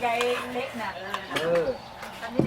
ไก่เล็กน่ะอันนี้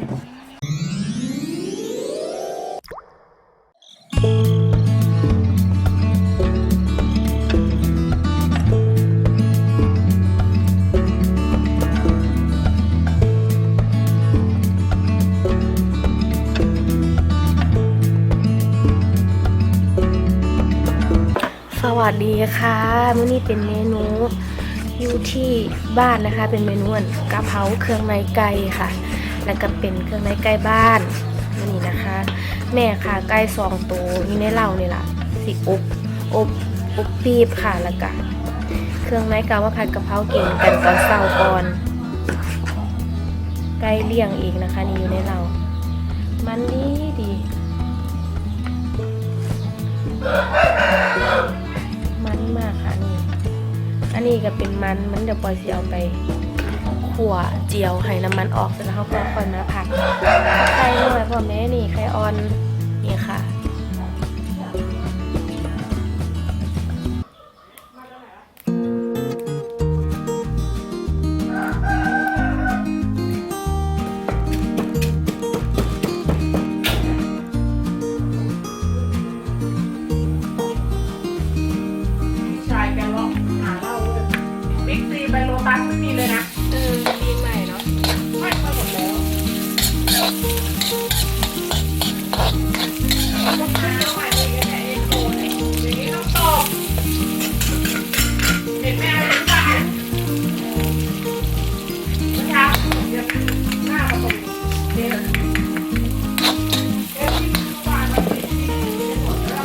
สวัสดีค่ะมื้อนี้เป็นเมนูอยู่ที่บ้านนะคะเป็นเมนูกะเพราเครื่องในไก่ค่ะแล้วก็เป็นเครื่องในไก่บ้านนี่นะคะ แม่ค่ะไก่2 ตัวนี่ในเหล้านี่ล่ะสิอบปีบค่ะแล้วก็เครื่องในกะว่าผัดกะเพรากินกันตอนเช้าก่อนไก่เลี้ยงเองนะคะนี่อยู่ในเหล้ามันดีมันมากค่ะนี่อันนี้ก็เป็นมันเดี๋ยวปล่อยสิเอาไปขั่วเจียวให้น้ำมันออกเสร็จแล้วเขาก็ค่อยมาผัดไข่หน่อยพ่อแม่นี่ไข่ออนนี่ค่ะไปโลตัสไม่มีเลยนะมีใหม่เนาะไม่มาหมดแล้วลูกค้าใหม่เลยแค่เองโตเลยอย่างนี้ต้องตอบเห็นไหมอะไรทุกอย่างนะครับเดี๋ยวหน้าประตูเดี๋ยวที่ทุกวันเราติดที่หมดแล้ว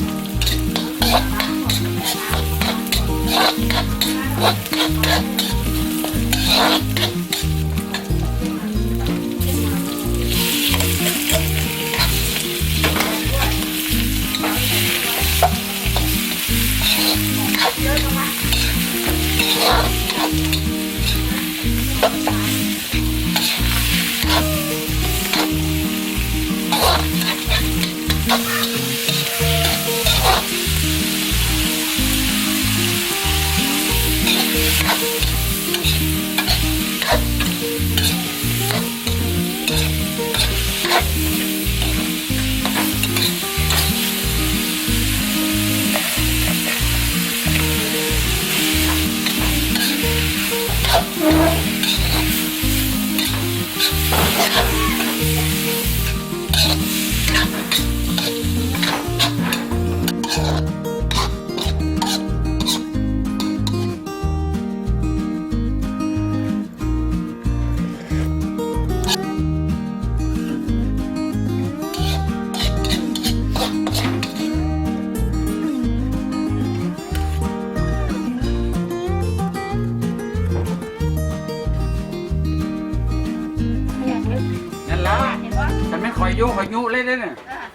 ฉันไม่คอยยุเล่นเนี่ย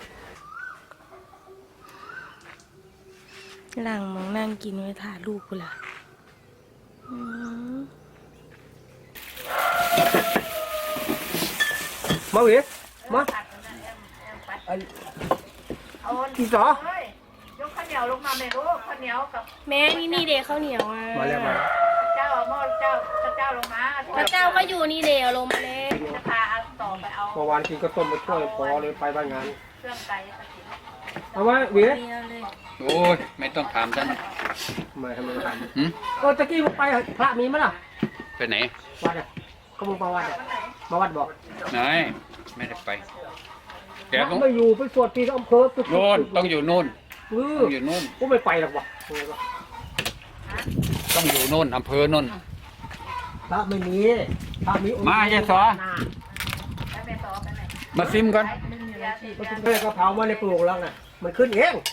หลังมองนั่งกินไว้ถ่ายรูปกูล่ะมาเว้ยมากี่สอยกข้าวเหนียวลงมาเลยลูกข้าวเหนียวกับแม่นี่เดข้าวเหนียวมาแล้วมาเจ้าหม้อเจ้าลงมาพระเจ้าก็อยู่นี่เดลงมาเลยจะพาเอาต่อไปเอาเมื่อวานกินก็ต้มมาช่วยพอเลยไปบ้านงานเครื่องไก่เอาไว้เว้ยโอ้ยไม่ต้องถามฉันไม่ทำไมถามตะกี้มึงไปพระมีมั้ยล่ะไปไหนวัดอ่ะก็มึงไปวัดมาวัดบอกไหนไม่ได้ไปแกต้องไปอยู่ไปสวดที่อำเภอโน่นต้องอยู่โน่นต้องอยู่โน่นกูไม่ไปหรอกวะต้องอยู่โน่นอำเภอโน่นพระไม่มีพระมีมาเยสอมาซิมก่อนแม่ก็เผามาในปลูกแล้วน่ะมันขึ้นเอง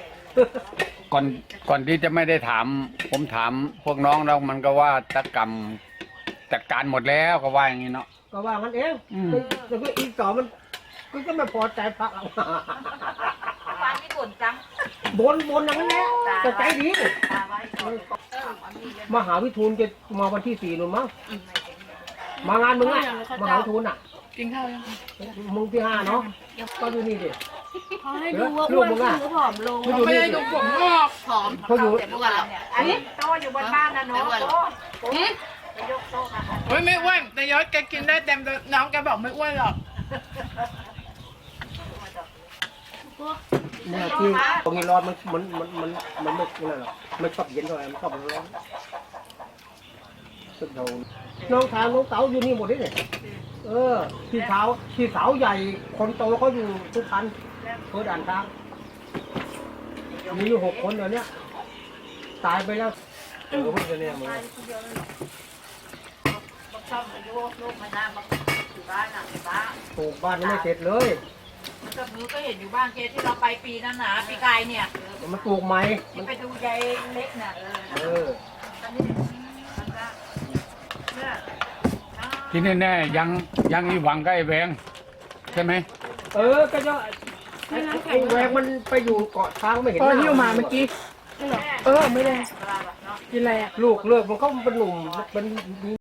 ก่อนที่จะไม่ได้ถามผมถามพวกน้องแล้วมันก็ว่าตะกรรมจัดการหมดแล้วก็ว่าอย่างนี้เนาะก็ว่ามันเองแต่ก็อีกต่อมันก็ไม่พอใจพระเราบ้านที่บ่นจังบนอย่างนั้นแหละแต่ใจดีมหาวิทูลจะมาวันที่4นู่นมั้งมางานมึงอ่ะมหาวิทูลอ่ะกินข้าวยังมึงที่5เนาะก็อยู่นี่ดิเขาให้ดูว่าอ้วนขึ้นหรือผอมลงไม่ได้ดูผมงอกผอมเขาอยู่เมื่อวานอันนี้โตอยู่บนบ้านนะเนาะโตเฮ้ยไม่อ้วนแต่ยศแกกินได้เต็มน้องแกบอกไม่อ้วนหรอกเนี่ยที่ตรงนี้ร้อนมันไม่นั่นหรอกไม่ชอบเย็นเท่าไหร่มันชอบร้อนสุดโดนน้องทางน้องเต๋าอยู่นี่หมดเลยเนี่ยพี่สาวใหญ่คนโตเขาอยู่ทุกคันเพื่อด่านทางมีอยู่6 คนเดี๋ยวนี้ตายไปแล้วเพิ่งจะเนี่ยมึงชอบอายุลูกมาหน้ามาอยู่บ้านหลังบ้านปลูกบ้านยังไม่เสร็จเลยกับมือก็เห็นอยู่บ้านเกที่เราไปปีนั้นนะปีกายเนี่ยมันปลูกใหม่ที่ไปดูยายเล็กน่ะ ตอนนี้มันก็เนี่ยที่แน่ๆยังอีหวังก็ไอ้แหวงใช่ไหมก็จะไอ้แหวกมันไปอยู่เกาะช้างไม่เห็นพอหิ้วมาเมื่อกี้ไม่ได้กินอะไรอ่ะลูกเลิกมันก็เป็นหนุ่มเป็น